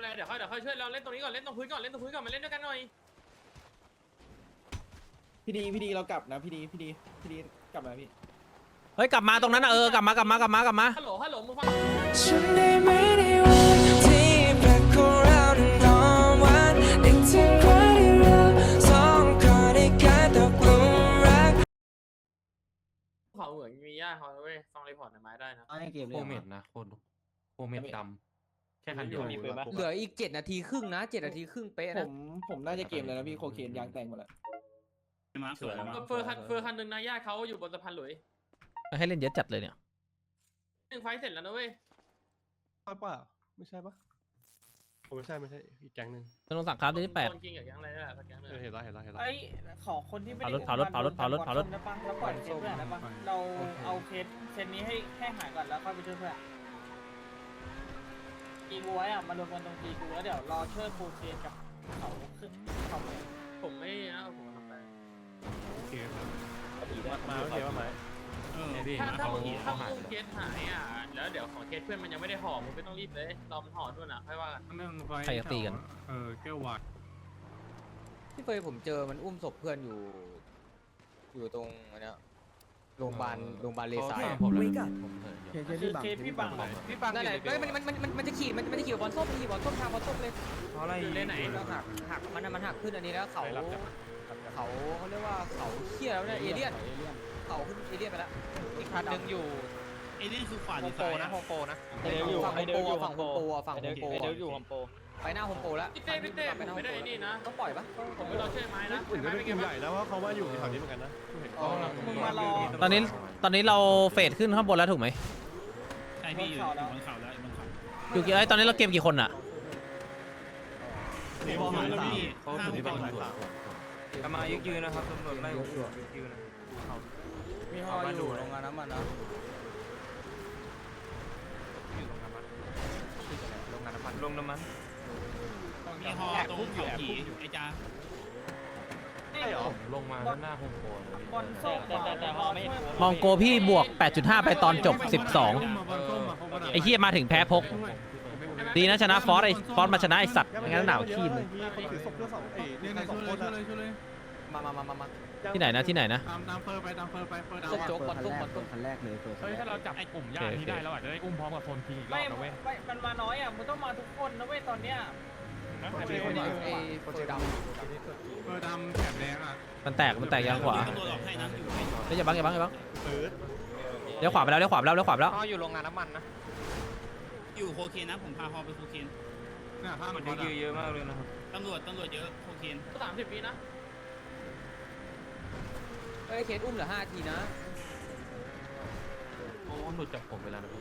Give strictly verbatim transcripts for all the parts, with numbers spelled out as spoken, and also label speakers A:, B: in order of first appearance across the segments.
A: ไรเดี๋ยวค่อยเดี๋ยวค่อยช่วยเราเล่นตรงนี้ก่อนเล่นตรงพื้นก่อนเล่นตรงพื้นก่อนมาเล่นด้วยกันหน่อย
B: พี่ดีพี่ดีเรากลับนะพี่ดีพี่ดีพี่ดีกลับมาพี่
C: เฮ้ยกลับมาตรงนั้นนะเออกลับมากลับมากลับมากลับมา
A: ฮัลโหลฮัลโหลมึงฟัง
D: ฉันได้ไม่ได้วันที่แปลกของเรานั้นนอนวันนึกถึงวันที่เราสองคนได้กลายตกหลุมรัก
A: เขาเหมือนมีญาติเขาเว้ยฟังรีพอร์ตในไม้ได้นะ
B: ให้เกมเล
E: โค
B: ย
E: เมดนะโคโคเมดดำแค่คันเดียว
F: เหลืออีกเจ็ดนาทีครึ่งนะเจ็ดนาทีครึ่งเป๊ะ
B: ผ
F: นะ
B: มผมน่าจะเกมเลยนะพี่โคเคนยางแตงหมดแล้ว
E: สวยมาก
A: เฟอร์คันเฟอร์คันหนึ่งนะญาติเขาอยู่บนสะพานหลุย
C: ให้เล่นเยอะจัดเลยเนี่ย
A: หนึ่งไฟเสร็จแล้วนะเว้ย
G: ใช่ป่ะไม่ใช่ปะผมไม่ใช่ไม่ใช่อีกแก๊งหนึ่ง
C: ธนงศักดิ์ครับที่แปด
A: คนจริงอย่างยังไรนี่แหละสักอย่างนึง
G: เออเห็นแล้วเห็นแล้วเห็นแล้ว
H: ไอ้ขอคนที่ไม่ได้
C: เผารถเผารถเผารถเผารถ
H: ได้ปะแล้วปล่อยเคสเพื่อนได้ปะเราเอาเคสเคสนี้ให้ให้หายก่อนแล้วค่อยไปช่วยเพื่อนตีกูไว้อะมารวมกันตรงตีกูแล้วเดี๋ยวรอช่วยโคเคนกับเขาขึ้นเขาไป
A: ผมไม่นะผมทำไป
G: โอเคครับ
E: มาโอเคว่าไหมพี่
A: ถ้าถ้า
E: เขา
A: มึงถ้า
E: เขาหาย
A: มึงเคสหายอ่ะแล้วเดี๋ยวของเคสเพื่อนมันยังไม่ได้ห่อมึงไม่ต้องรีบเลยรอมันห่อด้วยนะค่อยว่ากัน
C: ใครจะตีกัน
G: เออแก้ววาย
F: ที่เคยผมเจอมันอุ้มศพเพื่อนอยู่ อยู่ตรงอันเนี้ยโรงพยาบาลโรงพยาบาลเลสายอะ
E: ผมเลยผมเลย
H: คือเคสพี่บัง
F: พี่ปังนั่นแหละเฮ้ยมันมันมันมันมันจะขี่มันมันจะขี่บอลส้มมันขี่บอลส้มทางบอลส้มเลย
E: เพราะอะไร
A: คือเล่นไหน
F: แล้วหักหักมันน่ะมันหักขึ้นอันนี้แล้วเขาเขาเขาเรียกว่าเขาเขี้ยแล้วเนี่ยเอเลี่ยนเขาขึ้นเอเลี่ยนไปแล้วอีกคันหนึ่งอยู่
E: ไอ้นี่คือขวา
F: โฮ
E: ดี
F: ม
E: ไซ
F: โปร
E: น์
F: นะโฮมโปรนะ
H: ไอเดลอยู่
F: ฝั่ง
H: ไอ
F: โฮม
H: เด
F: โป
H: ล
F: ร
H: อยู่
F: ฝั่งโฮมโปรฝั่งโฮมโปร
H: ไอเดลอยู่โฮมโปร
F: ไปหน้าโฮมโปรแล้ว
A: พี่เต้พี่เต้ผมไม่ได้นี่นะ
F: ต้องปล่อยปะ
A: ผมไม่รอช่วยไม้นะ
G: อื่นก็
A: ไม้
G: เป็
A: เป็น น
G: ก
A: ไง
G: ลุ่มให
A: บ้าง
G: ญ่แล้วว่าเขาว่าอยู่แถวนี้เหมือนกันนะเห็น
H: มึงมารอ
C: ตอนนี้ตอนนี้เราเฟดขึ้นข้างบนแล้วถูกไหม
E: ใช่พี่อยู่บนเขาแล้วบนเขา
C: อยู่กี่ไอ้ตอนนี้เราเกมกี่คนอะ
E: พอหายแล้วพี่เขาถึงที่บ้านตรวจ
F: กำมายึกยืนนะครับตำรวจไล่ยึกยืนนะ
H: มีห่ออยู่โรงงานน้ำมันนะ
F: โรงงานน้ำมันลงน้ำมัน
E: มีฮอตรงเขาผีไอ้จ้า
A: ใช่หรอ
E: ลงมาด้านหน้าโฮมโปรเลย
H: บอลส้มแต่แต่ห่อไม่เห็น
C: มองโกพี่บวก แปดจุดห้า ไปตอนจบ สิบสอง ไอ้เฮียมาถึงแพ้พก ดีนะชนะฟอสไอ้ฟอสมาชนะไอ้สัตว์ไม่งั้นหนาวขี้มึง
G: คนถือศพเพื่อสองเอ้ยเนี่ยสองคนอะ
F: มามามามามา
C: ที่ไหนนะที่ไหนนะ
G: ตามตามเฟอร์ไปตามเฟอร์ไปเฟอร์ดาว
F: ส้มโจ๊กบอลส้มบอลส้ม
B: คันแรกเลยเปิด
E: เฮ้ยถ้าเราจับไอ้กลุ่มญาตินี้ได้เราอาจจะได้อุ้มพร้อมกับโทนทีอีกรอ
H: ไม่
E: บนะเว้ย
H: ไม่มันมาน้อยอ่ะมึงต้องมาทุกคนนะเว้ยตอนเนี้ย
F: ไอ้ไอ้เฟอร์ดำ
G: เฟอร์ดำแถบแดงอ่ะ
C: มันแตกมันแตกยางขวา
E: ตำรวจออกให้นะอยู่ให้
C: เฮ้ยอย่าบังอย่าบังอย่าบัง
G: เปิด
C: เลี้ยวขวาไปแล้วเลี้ยวขวาไปแล้วเลี้ยวขวาไปแล้ว
F: อ๋ออยู่โรงงานน้ำมันนะ
E: อยู่โคเคนนะผมพาฮอไปโคเคน
G: เนี่ยข้าง
F: มัน
G: ก่อน
F: ยืเยอะมากเลยนะครับ
E: ตำรวจตำรวจเยอะโคเคน
A: สามสิบปีนะ
F: เอ้ยเคสอุ้มเหลือห้าทีนะ
E: โอ้หลุดจากผมเวลานะพี่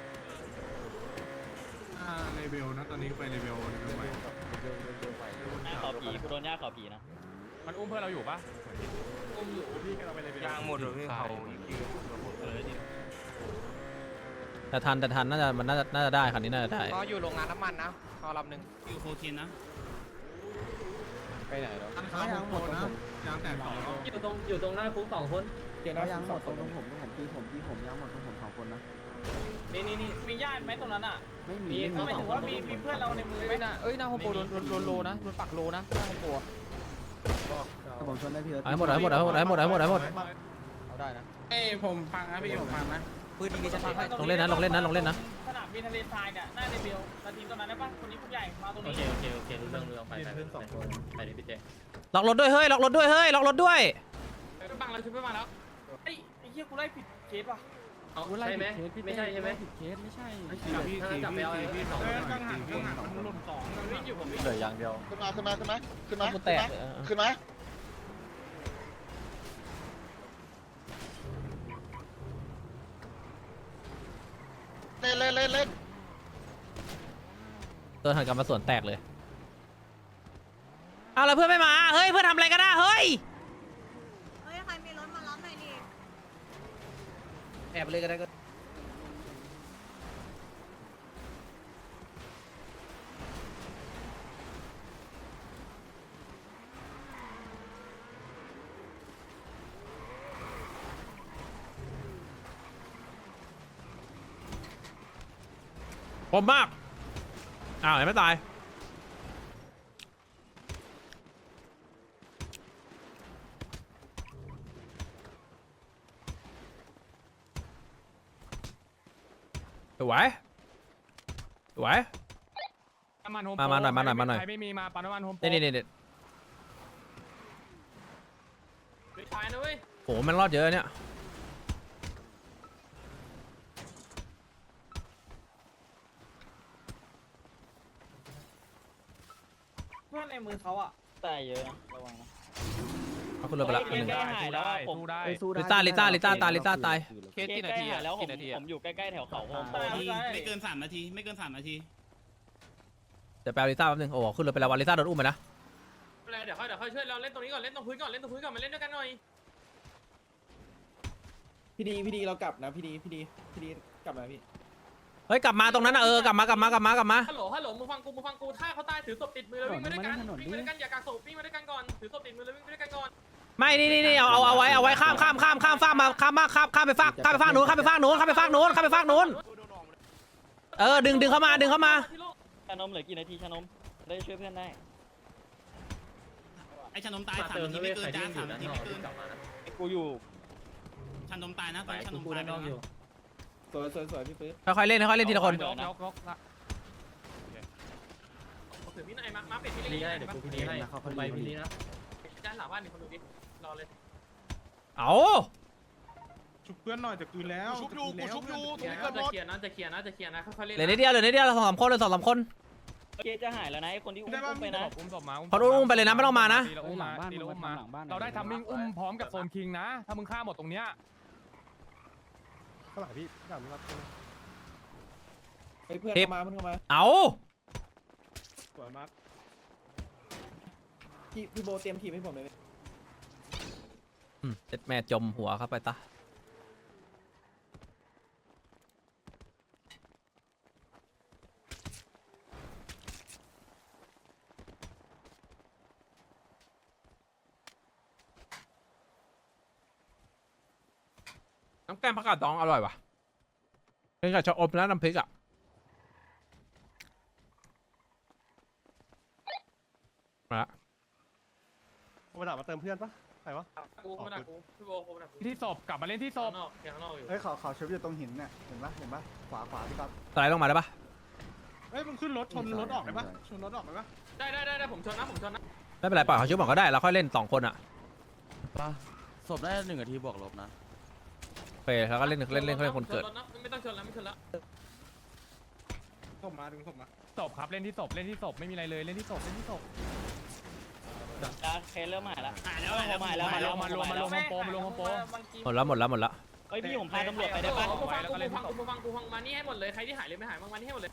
G: อ่าเลเวลนะตอนนี้ไปเลเวลเลเวลใหม่
H: ขอผีกูโดนย่าขอผีนะ
E: มันอุ้มเพื่อนเราอยู่ปะ
A: อุ้มอยู่
G: พี่เราไปเลเวล
F: ยางหมดเลยพี่เขา
E: เออดิ
C: แต่ทันแต่ทันน่าจะมันน่าจะน่าจะได้คันนี้น่าจะได้
F: ก็อยู่โรงงานน้ำมันนะเขาลำหนึ่ง
E: อยู่โคเคนนะ
F: ไปไหนแล้ว
G: อันค้ายังหมดนะยางแตกสอง
A: อยู่ตรงอยู่ตรงหน้าคุกสองคน
B: เกมยางหมดตรงผมตรงผมตีผมตีผมยางหมดตรงผมสองคนนะ
H: นี่นี่นี่มีญาติไหมตรงนั้นอ่ะ
B: ไม่มี
H: มีหมายถึงว่ามีมีเพื่อนเราในมือไหม
F: เอ้ยนะเอ้ยหน้าโฮมโปรโดนโดนโดนโลนะโดนปักโลนะหน้าโฮมโปร
B: แต่ผมชนได้พี่
C: เอาให้หมดเอาให้หมดเอาให้หมดเอาให้หมดเอาให้หมดเอาให้หมด
F: เอาได้นะ
H: เอ้ผมฟังนะพี่ผมฟังนะ
F: ปืนยิงดิฉันพังให้
C: ลงเล่นนะลงเล่นนะลงเล่นนะ
H: สนามบินทะเลทรายเนี่ยหน้าเดบิวนาทีตรงนั้นได้ปะคนนี้ผู้ใหญ่มาตรง
A: โอ
H: นี้
A: เคโอเคโอเครู้เรื่องรู้เรื่องไปไปไปดิพี่เจ
C: ล็อกรถด้วยเฮ้ยล็อกรถด้วยเฮ้ยล็อกรถด้วย
A: ไปบังแล้วช่วยไปบังแล้ว
H: ไอ้ไอ้เหี้ยกูไล่ผิดเคสป่ะ
A: เอาใช่ไหมไม่ใช่ใช่ไหม
B: เคสไม่ใช่
G: พี่
A: ถ้าจับไปเอา
G: พี่สองกังหันกังหันมันหล่นสอง
A: มันวิ่งอยู่ผมวิ่ง
B: เหลืออย่างเดียว
I: ขึ้นมาขึ้นมาขึ้นมาขึ้นมา
C: กูแตก
I: ขึ้นมาเล่นเล่นเล่นเล่น
C: ตัวหันกลับมาสวนแตกเลยเอาแล้วเพื่อนไม่มาเฮ้ยเพื่อนทำอะไรกันนะเฮ้ย
J: เฮ้ย ใครมีรถมารับหน่อยดิ
C: แอบเลยก็ได้ก็คมมากอ้าวยังไม่ตายสวยสวย
E: น้ำมันโฮม
C: มามาหน่อยมาหน่อยมาหน่อย
E: ใครไม่มีมาปั๊มน้ำมันโฮมโปร
C: นี่นี่นี่
A: ไปตายนะเว้ย
C: โหมันรอดเยอะเนี่ย
H: เพื่อนในมือเขาอ่ะ
F: แต่เยอะนะระวังนะ
C: เอาขึ้นรถไปละคนหนึ่ง
E: ได้หายแล้วสู้ได้
C: ลิต้าลิต้าลิต้าตายลิต้าตาย
F: เคสกี่นาทีแล้วผมผมอยู่ใกล้ๆแถวเขาโฮมโปร
E: นาทีไม่เกินสามนาทีไม่เกินสามนาที
C: เดี๋ยวไปเอาลิต้าแป๊บนึงโอ้ขึ้นรถไปแล้ววันลิต้าโดนอุ้มไปนะ
A: อะไรเดี๋ยวค่อยเดี๋ยวค่อยช่วยเราเล่นตรงนี้ก่อนเล่นตรงพื้นก่อนเล่นตรงพื้นก่อนมาเล่นด้วยกันหน่อย
B: พี่ดีพี่ดีเรากลับนะพี่ดีพี่ดีพี่ดีกลับมาพี่
C: เฮ้ยกลับมาตรงนั้นนะเออกลับมากลับมากลับมากลับมา
A: ฮัลโหลฮัลโหลมึงฟังกูมึงฟังกูถ้าเขาตายถือศพติดมือแล้ววิ่งมาด้วยกันวิ่งมาด้วยกันอย่ากางศพวิ่งมาด้วยกันก่อนถือศพติดมือแล้ววิ่งมาด้วยกันก่อน
C: ไม่นี่นี่นี่เอาเอาเอาไว้เอาไว้ข้ามข้ามข้ามข้ามฟากมาข้ามมาข้ามข้ามไปฟากข้ามไปฟากนู้นข้ามไปฟากนู้นข้ามไปฟากนู้นข้ามไปฟากนู้นเออดึงดึงเข้ามาดึงเข้ามา
F: ชานมเหลือกี่นาทีชานมได้ช่วยเพื่อนได้
E: ไอ้ชานมตายสามนาทีไม่เกินจ้าสามนาทีไม่เกิน
F: กูอยู่
E: ชานมตายนะตอนนี้ชานมตายไปแล้วนะ
B: สวยสวยสวยพี่ปื๊ด
C: ค่อยๆเล่นค่อยๆเล่นทีละคน
E: ยกยกยกละ
A: ถือพี่นายมามาเป็ดพี่ลีได้เดี๋ยวกูพี่ลีให้เขาไปพี่ลีนะด้านหลังบ้านนี่คนดูดิรอเลย
C: เอา
G: ชุบเพื่อนหน่อยจะคืนแล้ว
I: ชุบอยู่กูชุบอยู่ตรงนี้
A: จะ
I: เกิดหมด
A: เคลียร์นะจะเคลียร์นะจะเคลียร์นะค่อยๆเล่น
C: เหลือนิดเดียวเหลือนิดเดียวเราสองสามคนเลยสองสามคน
F: เคสจะหายแล้วนะไอ้คนที่อุ้มไปนะ
E: อุ้มศพมา
C: พออุ้มไปเลยนะไม่ต้องมานะ
E: ตีละอุ้มมาตีละอุ้มมาเราได้ทัมมิ่งอุ้มพร้อมกับโซนคิงนะถ้ามึงฆ่าหมดตรงเนี้ย
G: ข้างหลังพี่ข้างหลังพี่รับ
B: เฮ้ยเพื่อน
C: เทป
B: เข้ามาเพื่อนเข้ามา
C: เอา
G: สวยมาก
B: พี่พี่โบเตรียมทีมให้ผมเลย
C: อืมเจ็ดแม่จมหัวเข้าไปตาน้ำแกงผักกาดดองอร่อยว่ะเป็นกับชะอมแล้วน้ำพริกอ่ะมาละ
G: มาถามมาเติมเพื่อนปะใครวะ
A: กูมาดักกูพี่โบกูมาดักกู
E: ที่ศพกลับมาเล่นที่ศ
A: ข้า
E: พ
A: งนอกข้างนอกอยู่
K: เฮ้ยเขาเขาเชฟอยู่ตรงหินเนี่ยเห็นปะเห็นปะขวาขวาพี่ก๊อฟ
C: สไลด์ลงมาได้ปะ
G: เฮ้ยมึงขึ้นรถชนรถออกได้ปะชนรถออกได้ปะ
A: ได้ได้ได้ได้ผมชนนะผมชนนะ
C: ไม่เป็นไรปล่อยเขาชุบก่อนก็ได้เราค่อยเล่นสองคนอ่ะ
K: ศพได้หนึ่งนาทีบวกลบนะ
C: โอเคแล้วก็เล่นเล่นเล่นเขาเล่นคนเกิด
A: ไม่ต้องชนแล้วไม่ชนแล้ว
G: ส่งมาดึงส่งมา
E: ศพครับเล่นที่ศพเล่นที่ศพไม่มีอะไรเลยเล่นที่ศพเล่นที่ศพ
F: จ้าเคสเริ่มหายแล้ว
E: หายแล้วหายแล้วหายแล้วมารวมมารวมโฮมโปรมารวมโฮมโปร
C: หมดแล้วหมดแล้วหมดแล้ว
F: เฮ้ยพี่ผมพาตำรวจไปได้ปะ
A: กูฟังกูฟังกูฟังกูฟังมานี่ให้หมดเลยใครที่หายเลยไม่หายมานี่ให้หมดเลย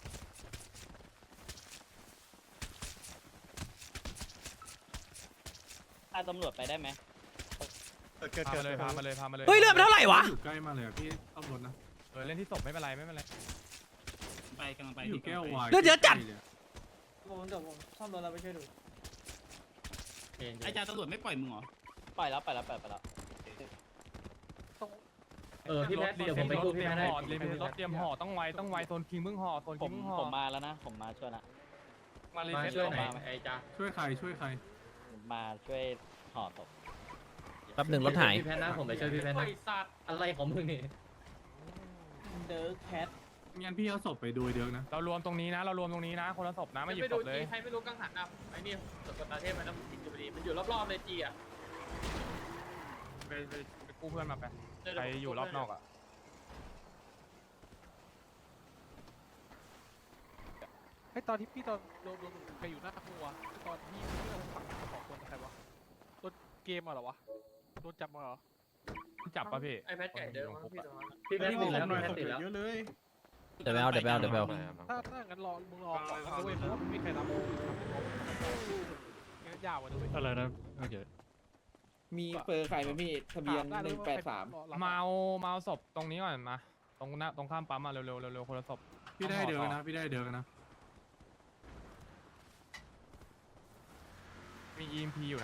F: พาตำรวจไปได้ไหม
G: เกิดเกิด
E: พา
G: เกิ
E: มา
G: ด
E: เลยพามาเลยพามาเลย
C: เฮ้ยเลือดมันเท่าไหร่วะ
G: อยู่ใกล้มาเลยพี่เอารถนะ
E: เออเล่นที่ศพไม่เป็นไรไม่เป็นไรไปกำลังไป
G: อยู่แก้ววาย
C: เลือดเยอะจัด
H: ผมเดี๋ยวผมซ่อมรถเราไปช่วยดู
E: ไอ้จ่าตำรวจไม่ปล่อยมึงเหรอ
F: ปล่อยแล้วปล่อยแล้วปล่อยไปแล้ว
A: เออพี่แพทเดี๋ยวผมไปกู้พี่แพทให้
E: รถเตรียมห่อต้องไวต้องไวโซนคิงมึงห่อโซน
F: ผ
E: คิ
F: ม
E: งมึงห่อ
F: ผมมาแล้วนะผมมาช่วยนะ
E: มาเลย
A: มาช่วยหน่อยไอ้จ้า
G: ช่วยใครช่วยใคร
F: ผมมาช่วยห่อศพ
C: แป๊บหนึ่งรถหาย
A: พี่แพทนะผมไปช่วยพี่แพทนะอะไรของมึงนี่
H: เดอร์แคท
G: งั้นพี่เอาศพไปดูเดียวนะ
E: เรารวมตรงนี้นะเรารวมตรงนี้นะคนละศพนะไม่หยิบ
A: ไป
E: ศ
A: ดู
E: พเลย
A: จีใครไม่รู้กังหันอ่ะไอ้นี่สกตาเทพมันต้องติดอยู่ดีมันอยู่รอบๆเลยจีอ่ะ
E: ไปไปไปกู้เพื่อนมาไปใครอยู่รอบนอกอ่ะ
K: ไอตอนที่พี่ตอนรวมรวมใครอยู่หน้าครัวตอนที่เรื่องฝั่งสองคนใครวะโดนเกมเหรอวะโดนจับมาเหรอ
E: จับป่ะพี่
A: ไอ้แพทไก่เดิมพี่ตรงนั้น
G: พี่แพทติดแล้วพี่แพทติดแล้วเยอะเลย
C: เดี๋ยวไปเอาเดี๋ยวไปเอาเดี๋ยวไปเอา
K: ถ้าถ้างั้นรอมึงรอก่อนนะเว้ยเพราะว่าไม่มีใครรับงั้นยาวอ่ะด้วย
G: อะไรนะโอเค
B: มีเปอร์ใครไหมพี่ทะเบียนหนึ่งแปดสาม
E: เมาเมาศพตรงนี้ก่อนมาตรงหน้าตรงข้ามปั๊มมาเร็วเร็วเร็วคนละศพ
G: พี่ได้เดียวนะพี่ได้เดียวนะ
E: มี อี เอ็ม พี อยู่นะ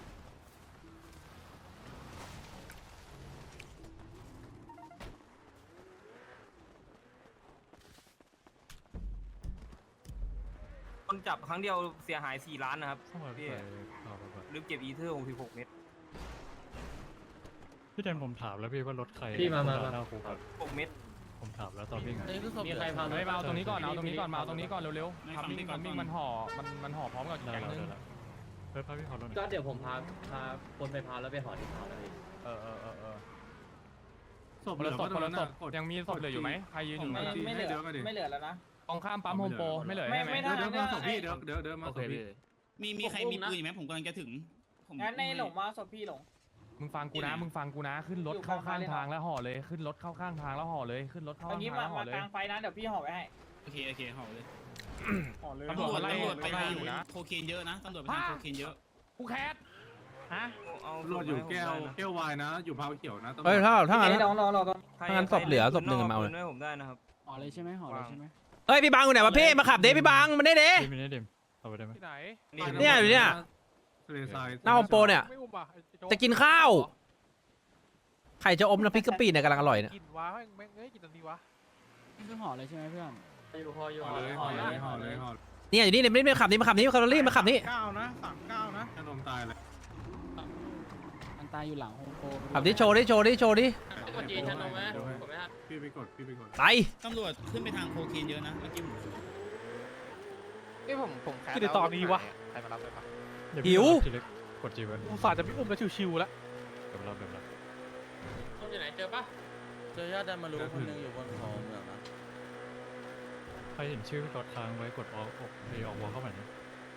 K: คนจับครั้งเดียวเสียหายสี่ล้านนะครับพี่ลืมเก็บอีเทอร์หกสิบหกเม็ด
G: พี่แทนผมถามแล้วพี่ว่ารถใคร
A: พี่มามา
G: หน้าคุก
K: หกเม็ด
E: ผมถามแล้วตอนวิ่ง
A: มีใครพา
E: เฮ้ยมาเอาตรงนี้ก่อนเอาตรงนี้ก่อนมาเอาตรงนี้ก่อนเร็วๆทำวิ่งทำวิ่งมันห่อมันมันห่อพร้อมกับแก๊งนึงเฮ้ยพาพี่ขอรถ
A: ก็เดี๋ยวผมพาพาคนไปพาแล้วไปหอที่พาแล้วพี่
E: เออเออเออเออ
G: ศพ
E: คนละศพคนละศพยังมีศพเหลืออยู่ไหมใครยืนอยู่ไหม
H: ไม่ไม่เหลือไม่เหลือแล้วนะ
E: ตรงข้ามปั๊มโฮมโปรไม่เหลือ
H: ไม่
E: ใช่ไหม
H: ไม่ได้
G: เดี๋ยวมาศพพี่เดี๋ยวเดี๋ยวเดี๋ยวมาศพพี่
A: มีมีใครมีปืนไหมผมกำลังจะถึง
H: งั้นในหลงมาศพพี่หลง
E: มึงฟังกูนะมึงฟังกูนะขึ้นรถเข้าข้างทางแล้วห่อเลยขึ้นรถเข้าข้างทางแล้วห่อเลยขึ้นรถเข้า
H: ตอน
E: ข้าง
H: นี้
E: ทาง
H: มา
E: แล้วห่อเลย
H: มากลางไฟนะเดี๋ยวพี่ห่อไว้ให้
A: โอเคโอเคห่อเลย
H: ห่อเลย
E: ตำรวจไล่ไปไล่อยู่นะ
A: โคเคนเยอะนะตำรวจไปทำโคเคนเยอะ
E: กูแคสฮะ
G: ตำรวจอยู่แก้วแก้ววายนะ อยู่พาวเขียวนะตำรวจ
C: เฮ้ยถ้าถ้างั้น
H: ลองลองลองลอง
C: ถ้างั้นศพเหลือศพหนึ่งมาเอาเลย
F: ผมได้นะครับ
K: ห่อเลยใช่ไหมห่อเลยใช่ไหม
C: เฮ้ยพี่บังอยู่ไหนวะพี่มาขับเด้พี่บังมันได้เด้
E: ไม่ได้เดมเอาไปได้ไหม
K: ที่ไหน
C: เนี่ยอยู่เนี่ย
G: ทะเลทราย
C: หน้าโฮมโปรเนี่ย
K: ไม่อุ้มอ่ะไอ้โ
C: จะกินข้าวไข่จะอมน้ำพริกกะปิเนี่ยกำลังอร่อยเนี่ย
K: กินวะแม่งแม่งเอ้ยกินทันทีวะนี่คือห่อเลยใช่ไหมเพื่อน
A: อยู่ห่ออยู่
G: ห่อเลยห่อเลยห่อเลยห่อเลย
C: เนี่ยอยู่นี่เนี่ยไม่ไม่ขับนี่มาขับนี่มาขับนี่มาขับนี่
G: เก้านะสามเก้านะขนมตายเลย
K: มันตายอยู่หลังโฮมโปร
C: ขับนี่โชว์ดิโชว์ดิโชว์ดิ
A: กดจีนฉันลงไหมผมไม่ทัน
G: พี่ไปกดพี่ไปกด
C: ไป
A: ตำรวจขึ้นไปทางโคเคนเยอะนะเมื่อกี้ผม
F: พี่ผมผมแคส
K: คือเดี๋ยวตอนนี้วะ
F: ใครมารับเลยครับ
C: หิว
E: กดจีวัน
K: อุตส่าห์จะไม่อุ้มแล้วชิวๆแล้ว
E: เดี๋ยวรับเดี๋ยวรับ
A: ต้นอยู่ไหนเจอปะ
B: เจอญาติดันมารู้คนนึงอยู่บนเขาเมืองนะ
E: ใครเห็นชื่อพี่กดค้างไว้กดออกออกเอออกวอลเข้าไปนะ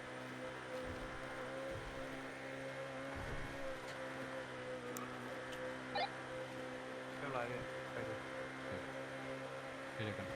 E: เรียบร้อยไปดูไปดูกัน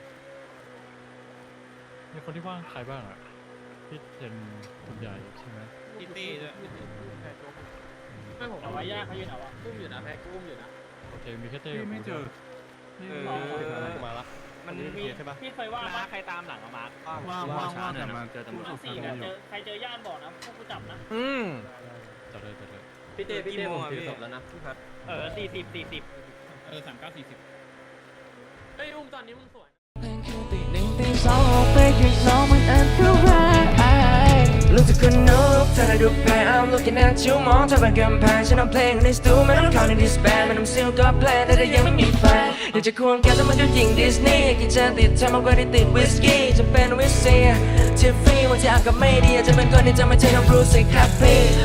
E: มีคนที่ว่างใครบ้างอ่ะพี่เจนคุณใหญ่ใช่ไหม
A: ตีตีด้วย
K: แค่โจ๊ก
A: ไม่ผม
H: เอาไว้ยากเขายืนเอาวะ
A: อุ้มอยู่นะแพ็คอุ้มอยู่นะ
E: โอเคมีแค่เต้
G: พี่ไม่เจอ
E: มาละ
H: มันมีพี่เคยว่าใครตามหลังมา
G: ว่างว่างว่างแต่มาเจอตำรวจ
H: สี่เนี่ยเจอใครเจอย่านบอกนะพวกกูจับนะ
C: อืม
E: จัดเลยจัดเลย
A: พี่เต้พี่เต้ผมถือศพแล้วนะ
H: เออสี่สิบสี่สิบ
A: เออสามเก้าสี่สิบเฮ้ยอุ้มตอนนี้มึงสวย
D: ตีหนึ่งตีสองออกไปข้างนอกมันอันตรายลูกทุกคนรู้เธอได้ดูแพ้ I'm looking at you มองเธอเป็นกำแพงฉันเอาเพลงในสตูไม่ต้องเข้าในดิสแบนไม่ต้องซิลก็แพลนแต่เธอยังไม่มีแฟนอยากจะควงแกแต่มันก็ยิงดิสนีย์กินเจนติดเธอมากกว่าที่ติดวิสกี้จะเป็นวิสเซียทิฟฟี่วันที่อากาศไม่ดีอาจจะเป็นคนที่จะไม่ใช่น้องบรูซสิครับพี่